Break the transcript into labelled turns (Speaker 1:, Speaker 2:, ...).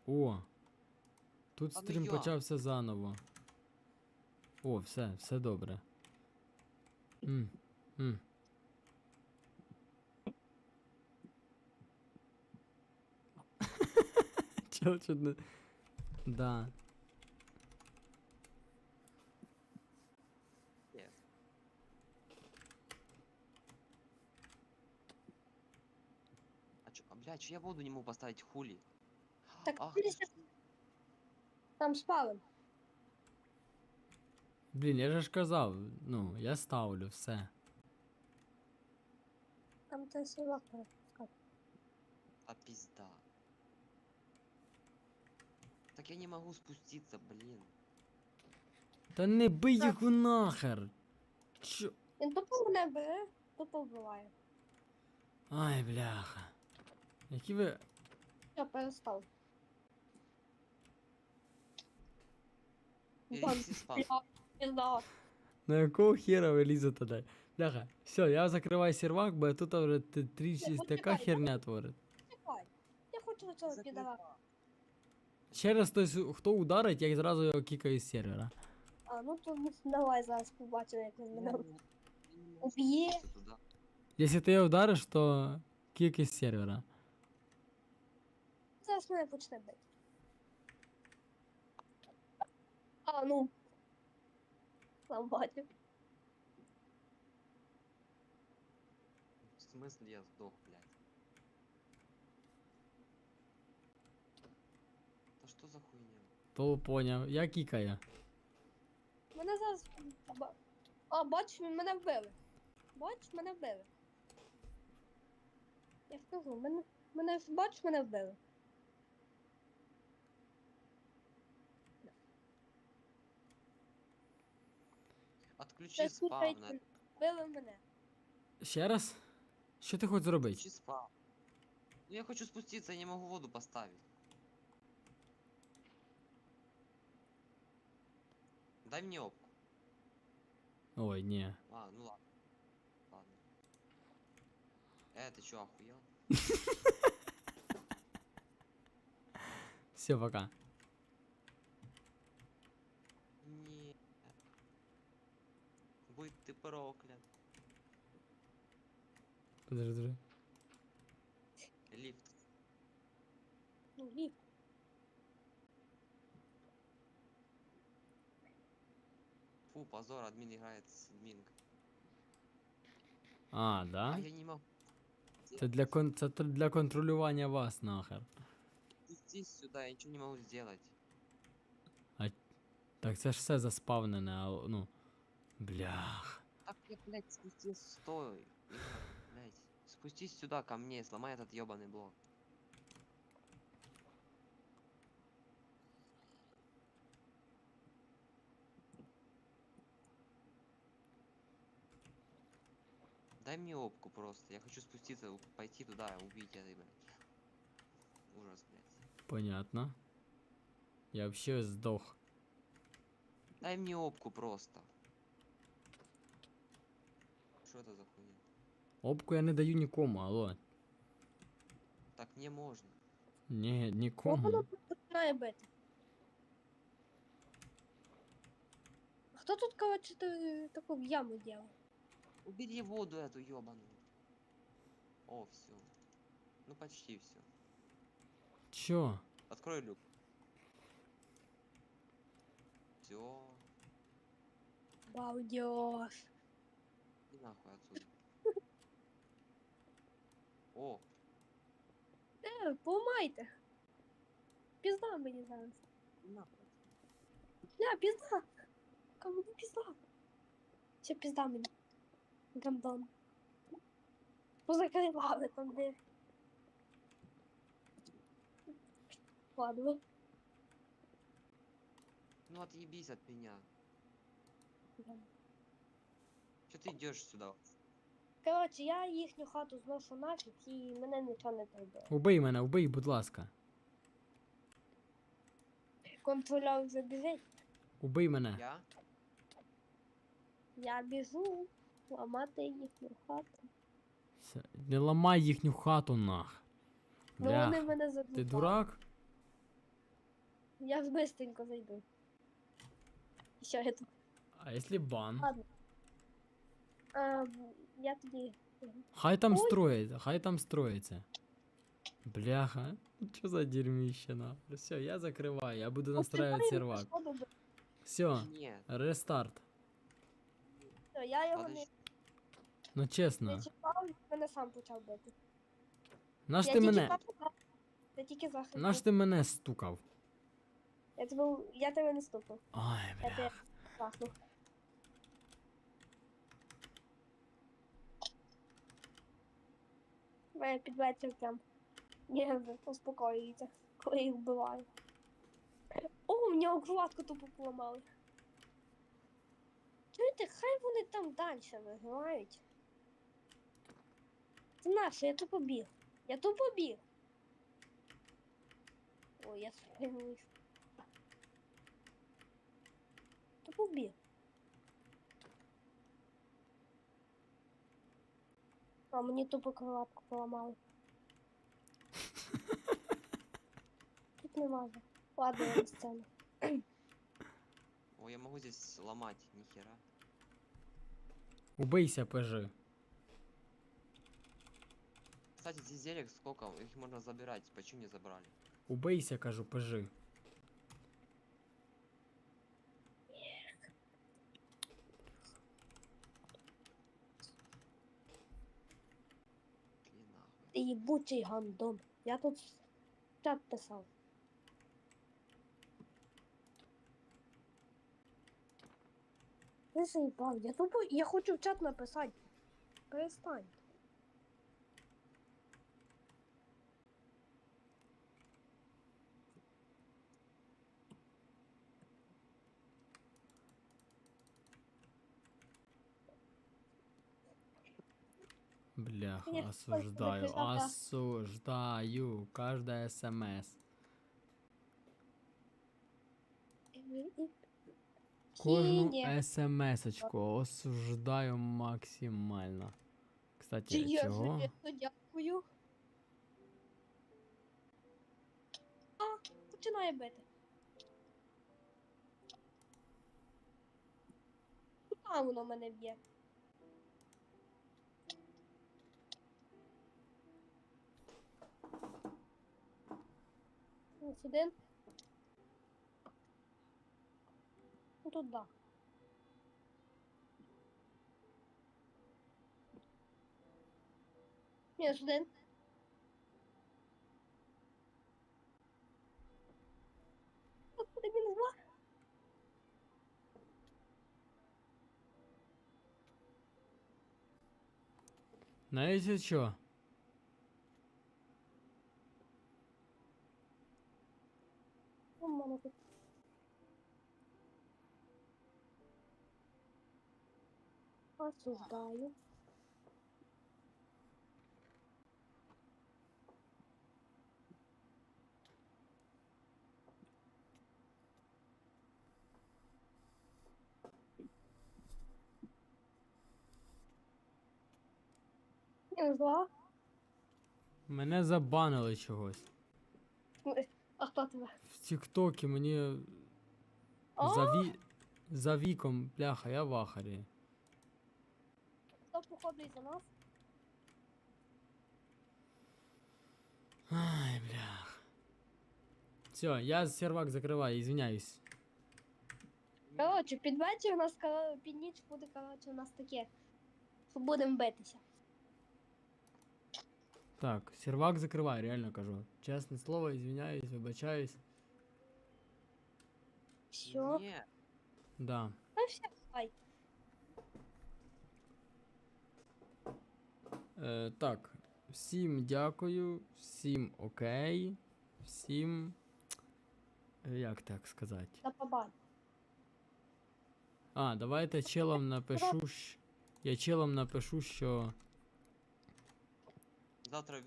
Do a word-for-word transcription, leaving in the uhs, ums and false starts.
Speaker 1: О! Тут
Speaker 2: А ну
Speaker 1: стрім
Speaker 2: я.
Speaker 1: почався заново. О, все, все добре. М, м. Чел чуть не... Да.
Speaker 2: Нет. А чё, а, блядь, чё я воду не могу поставить, хули?
Speaker 3: Так,
Speaker 2: Ах
Speaker 3: ти
Speaker 2: ты
Speaker 3: ще
Speaker 2: ж...
Speaker 3: там спали.
Speaker 1: Блін, я же ж казав, ну, я ставлю все.
Speaker 3: Там ти сівак перепускав.
Speaker 2: А пизда. Так я не могу спуститься, блин.
Speaker 1: Та не бий їх нахер! Чо?
Speaker 3: Він тупо мене бере, тупо вбиває.
Speaker 1: Ай, бляха. Які ви...
Speaker 3: Я перестав.
Speaker 2: Перенеси спам.
Speaker 3: Пізда.
Speaker 1: На якого хера ви лізете туди? Бляха, все, я закриваю сервак, бо тут вже трішки така
Speaker 3: почекай,
Speaker 1: херня творить.
Speaker 3: Чекай. Я хочу цього підара.
Speaker 1: Ще раз хтось, хто ударить, я зразу його кікаю з сервера.
Speaker 3: А, ну то давай зараз побачимо, як він
Speaker 2: Я
Speaker 3: мене
Speaker 2: не- я не могу
Speaker 3: уб'є.
Speaker 2: спуститься туда.
Speaker 1: Якщо ти його вдариш, то кікай з сервера.
Speaker 3: Зараз мене почне бити. А, ну. Сам бачив.
Speaker 2: В смысле я сдох, блядь? Да что за хуйня?
Speaker 1: То поняв, я кікаю.
Speaker 3: Мене зараз... ба- А, бачиш, мене вбили. Бачиш, мене вбили. Я скажу, мене... Мене бачиш, мене вбили.
Speaker 2: Отключи
Speaker 3: Це
Speaker 2: спавн.
Speaker 3: слухайте, вбили мене.
Speaker 1: Ще раз? Що ти хочеш зробити?
Speaker 2: Отключи спавн. Ну я хочу спуститься, я не могу воду поставить. Дай мне опку.
Speaker 1: Ой, ні.
Speaker 2: А, ну ладно. Ладно. Э, ты чё, охуел?
Speaker 1: Все, пока.
Speaker 2: Не. Будь ты проклят.
Speaker 1: Подожди, подожди.
Speaker 2: Лифт.
Speaker 3: Ну, ліфт.
Speaker 2: Фу, позор, админ играет с админкой.
Speaker 1: А, да?
Speaker 2: А я не могу.
Speaker 1: Це для, кон... це тр- для контролювання вас нахер.
Speaker 2: Спустись сюда, я ничего не могу сделать.
Speaker 1: Так це ж все заспавнене, а ну. Блях.
Speaker 2: Так я, блядь, спустись, стой. Игра, блядь. Спустись сюда ко мне, сломай этот ебаный блок. Дай мне опку просто. Я хочу спуститься, у- пойти туда, убить это, блядь. Ужас, блядь.
Speaker 1: Понятно. Я вообще сдох.
Speaker 2: Дай мне опку просто. Что это за хуйня?
Speaker 1: Обку я не даю нікому, алло.
Speaker 2: Так не можно.
Speaker 1: Ні,
Speaker 3: Воно
Speaker 1: нікому.
Speaker 3: починає бити. Хто тут, коротше, та- таку в яму делал?
Speaker 2: Убери воду эту ебаную. О, все. Ну почти все.
Speaker 1: Чо?
Speaker 2: Открой люк. Все.
Speaker 3: Балдеж.
Speaker 2: И нахуй отсюда. О,
Speaker 3: Е, поламайте. Пізда мені зараз.
Speaker 2: и нахуй.
Speaker 3: Ля, пізда. Кому не пізда? Ще пізда мені. Гандон. Позакривали там де. Ладно.
Speaker 2: Ну отъебись от меня. Че ты идешь сюда?
Speaker 3: Коротше, я їхню хату зношу нафіг і мене нічого не требує.
Speaker 1: Убий мене, убий, будь ласка.
Speaker 3: Контролер вже біжить.
Speaker 1: Убий мене.
Speaker 2: Я?
Speaker 3: Я біжу ламати їхню хату.
Speaker 1: Все, не ламай їхню хату нах.
Speaker 3: Ну вони
Speaker 1: Бля,
Speaker 3: мене
Speaker 1: ти
Speaker 3: задушали.
Speaker 1: дурак?
Speaker 3: Я ж быстренько зайду. Все, я тут.
Speaker 1: А якщо бан?
Speaker 3: Ладно. А, я тоді.
Speaker 1: Хай там
Speaker 3: Ой.
Speaker 1: строїться, хай там строїться. Бляха, що за дерьмище на. Все, я закриваю, я буду настраивать сервак. Все,
Speaker 3: Все,
Speaker 1: рестарт.
Speaker 3: я його не,
Speaker 2: Подожди.
Speaker 1: Ну
Speaker 3: не
Speaker 1: чесно,
Speaker 3: чекав, він мене сам почав бити.
Speaker 1: наш
Speaker 3: я
Speaker 1: ти
Speaker 3: тільки
Speaker 1: мене,
Speaker 3: захистив. Я тільки захистив.
Speaker 1: наш ти мене стукав.
Speaker 3: Я тебе, я тебе не стукав.
Speaker 1: Ой,
Speaker 3: Я тебе
Speaker 1: бляха.
Speaker 3: захнув. Мене під вечір прям нерви успокоюються, коли їх вбиваю. О, у нього кроватку тупо поламали. Чуєте, хай вони там далі виграють. Це наше, я тупо біг. Я тупо біг. Ой, я спинуюсь. Тупо біг. А мені тупо кроватку поламали. Тут не важно. Ладно, я на сцену.
Speaker 2: О, я могу здесь ломать, нихера.
Speaker 1: Убийся, пежи.
Speaker 2: Кстати, здесь зелек сколько? Их можно забирать. Почему не забрали?
Speaker 1: Убийся, кажу, пежи.
Speaker 2: Шли нахуй.
Speaker 3: Ти їбучий гандон. Я тут чат писав. Ти заїбав, я тупо, я хочу в чат написати. Перестань.
Speaker 1: Бляха,
Speaker 3: Ні,
Speaker 1: осуждаю,
Speaker 3: ось, ось, ось.
Speaker 1: осуждаю. Каждая смс. Кожну
Speaker 3: Сінє.
Speaker 1: смс-очку осуждаю максимально.
Speaker 3: Чи
Speaker 1: Кстати,
Speaker 3: я
Speaker 1: чого?
Speaker 3: железно дякую. А, починає бити. Куди воно мене б'є? Ось один. Ну тут да. Мінус один. Господи, мінус два.
Speaker 1: Знаєте що?
Speaker 3: У мене тут. Осуждаю. Мінус два.
Speaker 1: Мене забанили чогось.
Speaker 3: А хто тебе?
Speaker 1: В Тіктокі мені
Speaker 3: О,
Speaker 1: за, ві... за віком, бляха, я в ахарі.
Speaker 3: хто походу із-за нас?
Speaker 1: Ай, блях. Все, я сервак закриваю, извиняюсь.
Speaker 3: Коротше, під вечір у нас, кор- під ніч буде, коротше, у нас таке, що будемо битися.
Speaker 1: Так, сервак закриваю, реально кажу. Чесне слово, извиняюсь, вибачаюсь.
Speaker 3: Все.
Speaker 2: Не,
Speaker 1: Да.
Speaker 3: А все, давай.
Speaker 1: Е, так, всім дякую, всім окей, всім. е, Як так сказати?
Speaker 3: До побачення.
Speaker 1: А, давайте челам напишу. щ- Я челам напишу, що.
Speaker 2: завтра